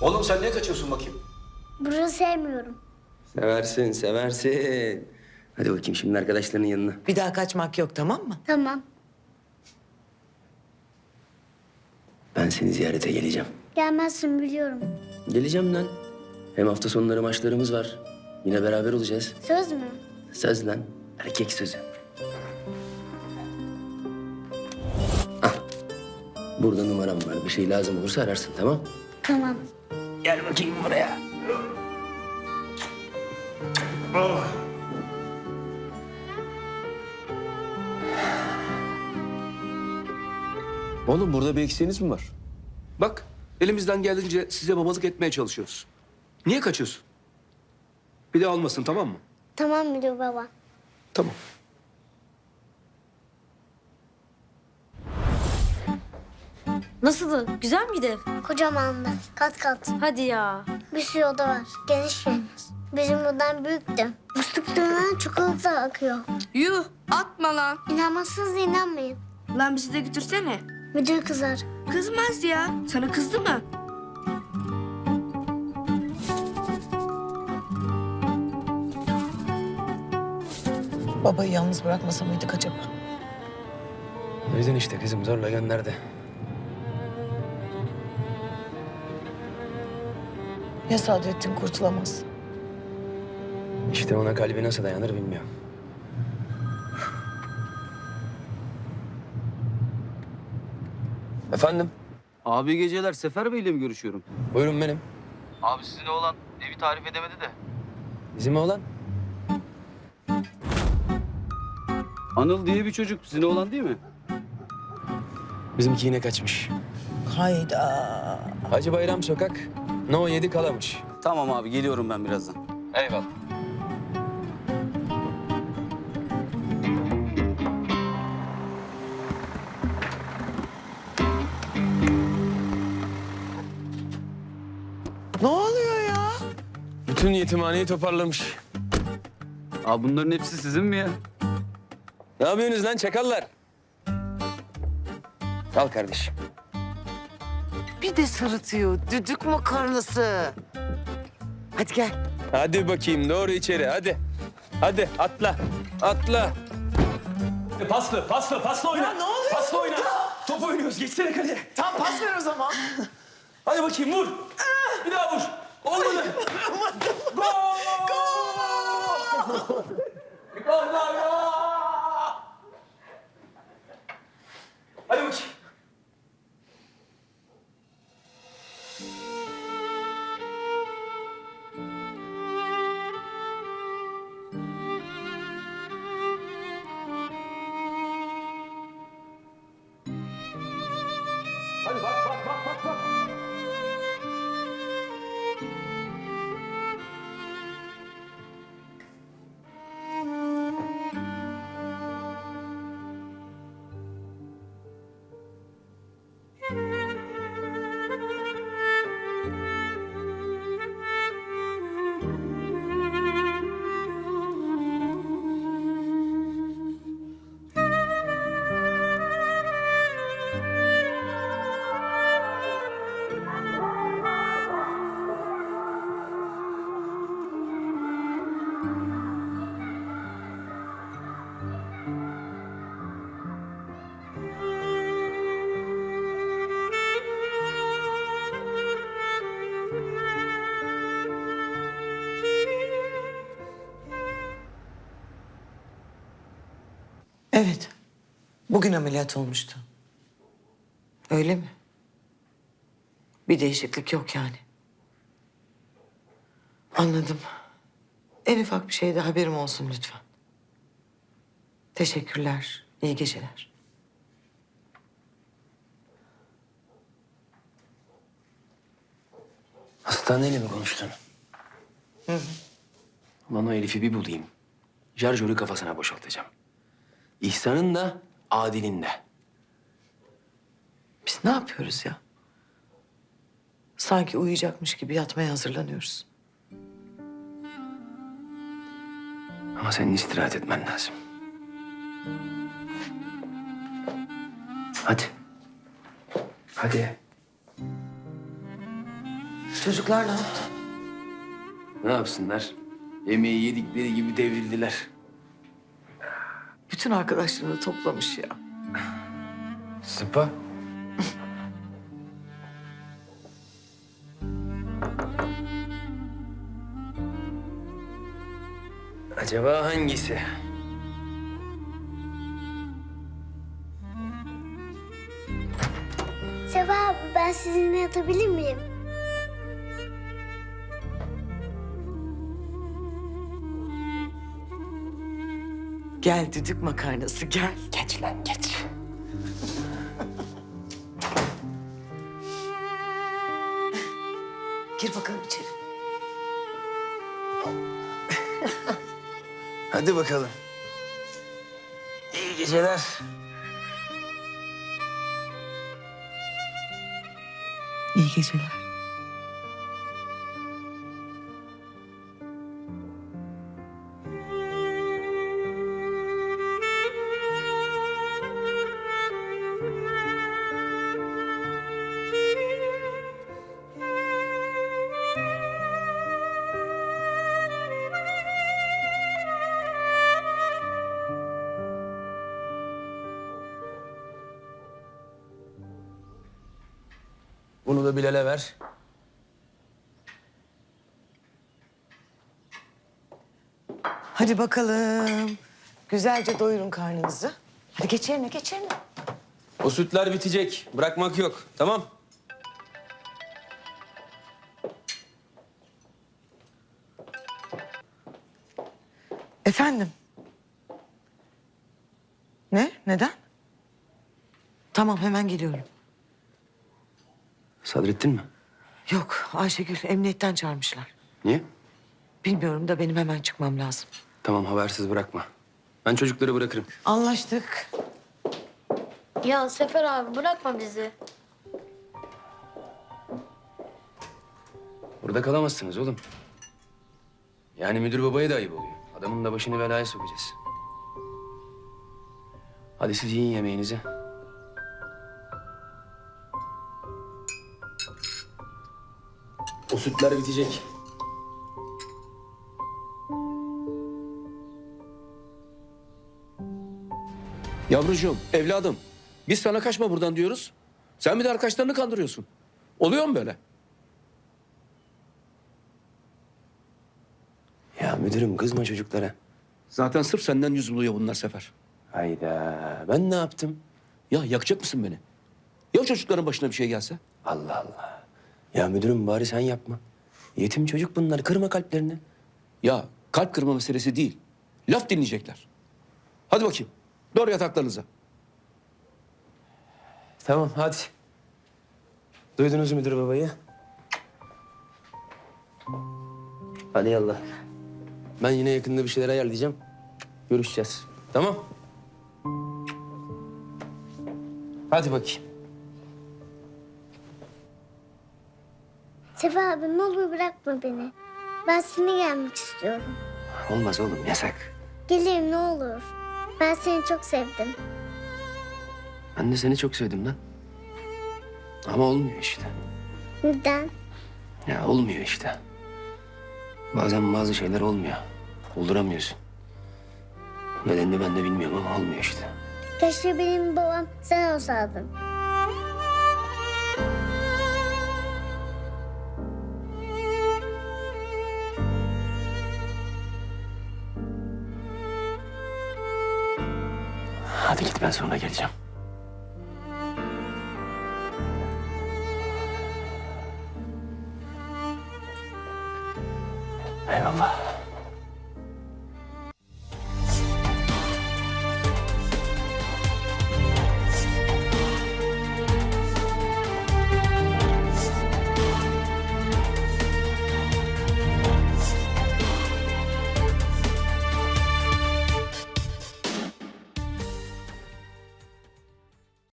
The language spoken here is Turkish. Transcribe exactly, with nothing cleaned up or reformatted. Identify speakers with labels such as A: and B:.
A: Oğlum sen niye kaçıyorsun bakayım?
B: Burayı sevmiyorum.
C: Seversin, seversin. Hadi bakayım şimdi arkadaşlarının yanına.
D: Bir daha kaçmak yok, tamam mı?
B: Tamam.
C: Ben seni ziyarete geleceğim.
B: Gelmezsin biliyorum.
C: Geleceğim lan. Hem hafta sonları maçlarımız var. Yine beraber olacağız.
B: Söz mü?
C: Söz lan. Erkek sözü. Ah. Burada numaram var. Bir şey lazım olursa ararsın, tamam?
B: Tamam.
C: Gel bakayım buraya.
A: Oğlum burada bir eksiğiniz mi var? Bak elimizden geldiğince size babalık etmeye çalışıyoruz. Niye kaçıyorsun? Bir de olmasın, tamam mı?
B: Tamam müdür baba.
A: Tamam.
E: Nasıldı? Güzel miydi?
B: Kocamandı. Kat kat.
E: Hadi ya.
B: Bir sürü oda var. Geniş geniş. Bizim buradan büyüktü. Musluklarından çikolata akıyor.
F: Yuh atma lan.
B: İnanmazsınız inanmayın.
F: Lan bizi de götürsene.
B: Müdür kızar.
F: Kızmaz ya. Sana kızdı mı?
D: Babayı yalnız bırakmasa mıydık acaba?
C: Duydun işte kızım, zorla gönderdi.
D: Ya Sadrettin kurtulamaz?
C: İşte ona kalbi nasıl dayanır bilmiyorum. Efendim?
G: Abi iyi geceler. Sefer Bey'le mi görüşüyorum?
C: Buyurun benim.
G: Abi sizin oğlan evi tarif edemedi de.
C: Bizim oğlan.
G: Anıl diye bir çocuk. Sizin oğlan değil mi?
C: Bizimki yine kaçmış.
D: Hayda.
C: Hacı Bayram Sokak, No yedi Kalamış.
G: Tamam abi geliyorum ben birazdan.
C: Eyvallah.
D: Ne oluyor ya?
C: Bütün yetimhaneyi toparlamış.
G: Abi bunların hepsi sizin mi ya?
C: Ne yapıyorsunuz lan çakallar? Al kardeşim.
D: Bir de sırıtıyor. Düdük makarnası. Hadi gel.
C: Hadi bakayım doğru içeri hadi. Hadi atla. Atla. Paslı, paslı, paslı oyna.
D: Ya ne oluyor
C: Paslı oyna.
D: burada?
C: Top oynuyoruz. Geçsene kaleye.
D: Tam pas ver o zaman.
C: Hadi bakayım vur. Bir daha vur. Olmadı. Gol! Gol! Gol! Gol! Hadi bakayım. Hadi bak bak bak bak bak.
D: Evet. Bugün ameliyat olmuştu. Öyle mi? Bir değişiklik yok yani. Anladım. En ufak bir şeyde haberim olsun lütfen. Teşekkürler. İyi geceler.
C: Hastaneyle mi konuştun?
D: Hı hı.
C: Ulan o Elif'i bir bulayım. Şarjörü kafasına boşaltacağım. İhsan'ın da, Adil'in de.
D: Biz ne yapıyoruz ya? Sanki uyuyacakmış gibi yatmaya hazırlanıyoruz.
C: Ama senin istirahat etmen lazım. Hadi. Hadi.
D: Çocuklar ne yaptı?
C: Ne yapsınlar? Yemeği yedikleri gibi devrildiler.
D: Bütün arkadaşlarını toplamış ya.
C: Sıpa. Acaba hangisi?
B: Sefa abi ben sizinle yatabilir miyim?
D: Gel düdük makarnası gel. Geç lan geç. Gir bakalım içeri.
C: Hadi bakalım. İyi geceler.
D: İyi geceler.
C: Bunu da Bilal'e ver.
D: Hadi bakalım. Güzelce doyurun karnınızı. Hadi geç yerine geç yerine.
C: O sütler bitecek. Bırakmak yok. Tamam.
D: Efendim? Ne? Neden? Tamam hemen geliyorum.
C: Sadrettin mi?
D: Yok Ayşegül emniyetten çağırmışlar.
C: Niye?
D: Bilmiyorum da benim hemen çıkmam lazım.
C: Tamam, habersiz bırakma. Ben çocukları bırakırım.
D: Anlaştık.
B: Ya Sefer abi bırakma bizi.
C: Burada kalamazsınız oğlum. Yani müdür babaya da ayıp oluyor. Adamın da başını belaya sokacağız. Hadi siz yiyin yemeğinizi. O sütler bitecek.
A: Yavrucuğum, evladım. Biz sana kaçma buradan diyoruz. Sen bir de arkadaşlarını kandırıyorsun. Oluyor mu böyle?
C: Ya müdürüm kızma çocuklara.
A: Zaten sırf senden yüz buluyor bunlar Sefer.
C: Hayda, ben ne yaptım?
A: Ya yakacak mısın beni? Ya çocukların başına bir şey gelse?
C: Allah Allah. Ya müdürüm bari sen yapma. Yetim çocuk bunlar, kırma kalplerini.
A: Ya kalp kırma meselesi değil. Laf dinleyecekler. Hadi bakayım. Doğru yataklarınıza.
C: Tamam, hadi. Duydunuz müdür babayı? Hadi yallah. Ben yine yakında bir şeyler ayarlayacağım. Görüşeceğiz. Tamam? Hadi bakayım.
B: Sefer abi ne olur bırakma beni. Ben seninle gelmek istiyorum.
C: Olmaz oğlum, yasak.
B: Gelirim ne olur. Ben seni çok sevdim.
C: Ben de seni çok sevdim lan. Ama olmuyor işte.
B: Neden?
C: Ya olmuyor işte. Bazen bazı şeyler olmuyor. Olduramıyorsun. Nedenini ben de bilmiyorum ama olmuyor işte.
B: Keşke benim babam sen olsaydın.
C: Hadi git, ben sonra geleceğim. Eyvallah.